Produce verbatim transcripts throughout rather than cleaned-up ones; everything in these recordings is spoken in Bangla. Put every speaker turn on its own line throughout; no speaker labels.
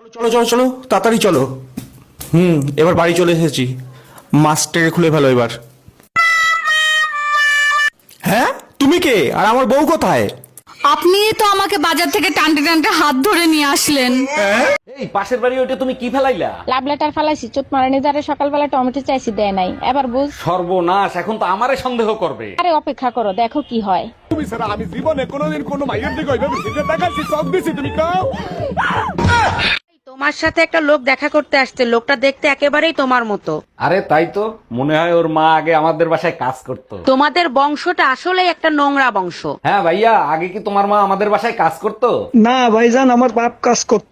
চলো চলো চলো তাড়াতাড়ি চলো। হুম এবার বাড়ি চলে এসেছি, মাস্টারে খুলে ফেলো এবার। হ্যাঁ তুমি কে আর আমার বউ কোথায়?
আপনি তো আমাকে বাজার থেকে টানতে টানতে হাত ধরে নিয়ে আসলেন।
এই পাশের বাড়ি ওইটা তুমি কি ফেলাইলা?
লাভ লেটার ফালাইছি, চোট মারানি যারে সকালবেলা টমেটো চাইছি দেয় নাই, এবার বুঝ।
সর্বনাশ, এখন তো আমারে সন্দেহ করবে।
আরে অপেক্ষা করো, দেখো কি হয়।
তুমি স্যার আমি জীবনে কোনোদিন কোনো মাইয়ের দিকে ওইভাবে সিগারেট দেখাচ্ছি, চোখ দিছি, তুমি কাও।
তোমার সাথে একটা লোক দেখা করতে আসছে, লোকটা দেখতে একেবারেই তোমার মতো।
আরে তাই তো, মনে হয় ওর মা আগে আমাদের বাসায় কাজ করতো।
তোমাদের বংশটা আসলে একটা নোংরা বংশ।
হ্যাঁ ভাইয়া, আগে কি তোমার মা আমাদের বাসায় কাজ করতো?
না ভাইজান, আমার বাপ কাজ করতো।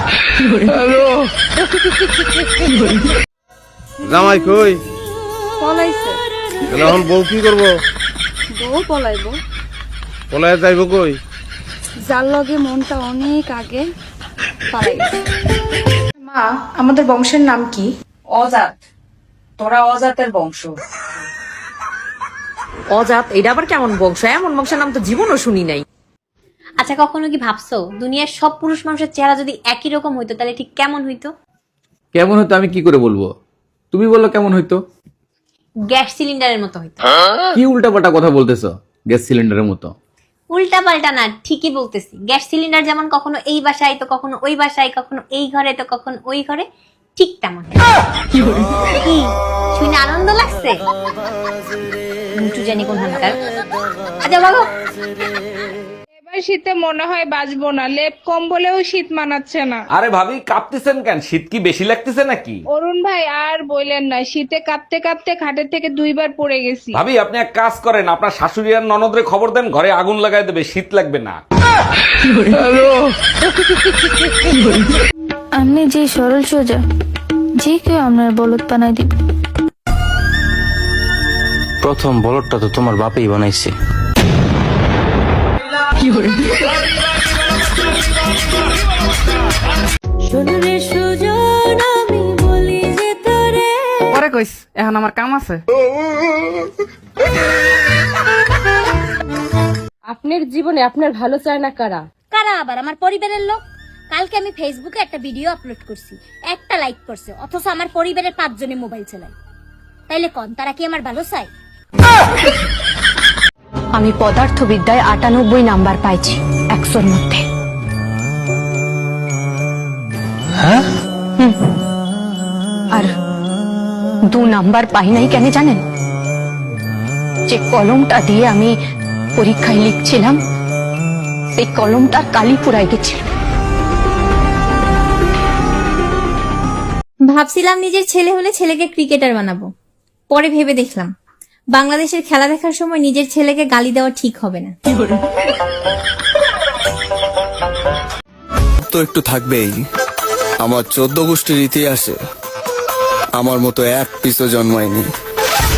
জামাই কই?
পলাইছে।
এখন বউ কি করবো?
বউ পলাইবো।
পলায় যাইব কই?
যার লগে মনটা অনেক আগে পালাই গেছে।
মা, আমাদের বংশের নাম কি?
অজাত। তোরা অজাতের বংশ।
অজাত এটা আবার কেমন বংশ? এমন বংশের নাম তো জীবনও শুনি নাই।
আচ্ছা, কখনো কি ভাবছো দুনিয়ার সব পুরুষ মানুষের চেহারা যদি একই রকম হইতো তাহলে ঠিক কেমন হইতো?
কেমন হইতো আমি কি করে বলবো? তুমি বললো কেমন হইতো?
গ্যাস সিলিন্ডারের মতো হইতো।
কি উল্টাপাল্টা কথা বলতেছো? গ্যাস সিলিন্ডারের মতো?
উল্টা পাল্টা না, ঠিকই বলতেছি। গ্যাস সিলিন্ডার যেমন কখনো এই বাসায় তো কখনো ওই বাসায়, কখনো এই ঘরে তো কখনো ওই ঘরে, ঠিক তেমন। কি শুনে আনন্দ লাগছে? মুটু জানি কোন হানকার। আচ্ছা বাবা,
এবার শীতে মনে হয় বাঁচবো না, লেপ কম্বলেও শীত মানাচ্ছে না।
আরে ভাবি কাঁপতেছেন কেন? শীত কি বেশি লাগতেছে নাকি?
অরুণ ভাই আর বললেন না, শীতে কাঁপতে কাঁপতে খাটের থেকে দুইবার পড়ে গেছি।
ভাবি আপনি এক কাজ করেন, আপনার শাশুড়ি আর ননদরে খবর দেন, ঘরে আগুন লাগাই দেবে, শীত লাগবে না।
আপনি যে সরল সোজা, যে কেউ আপনার বলদ বানাই দিবে।
প্রথম বলদটা তো তোমার বাপেই বানাইছে।
পরে কইস, এখন আমার কাম আছে। আপনার জীবনে আপনার ভালো চায় না কারা?
কারা আবার? আমার পরিবারের লোক। কালকে আমি ফেসবুকে একটা ভিডিও আপলোড করছি, একটা লাইক করছে, অথচ আমার পরিবারের পাঁচজনে মোবাইল চালায়। তাইলে কোন তারা কি আমার ভালো চায়?
আমি পদার্থবিদ্যায় আটানব্বই নাম্বার পাইছি একশোর মধ্যে।
হ্যাঁ?
আর দু নাম্বার পাই নাই কেন জানেন? যে কলমটা দিয়ে আমি পরীক্ষায় লিখছিলাম, সেই কলমটার কালি পুরাই গেছিল।
ভাবছিলাম নিজের ছেলে হলে ছেলেকে ক্রিকেটার বানাবো, পরে ভেবে দেখলাম বাংলাদেশের খেলা দেখার সময় নিজের ছেলেকে গালি দেওয়া ঠিক হবে না।
তো একটু থাকবেই। আমার চোদ্দ গোষ্ঠীর ইতিহাসে আমার মতো এক পিসও জন্মায়নি।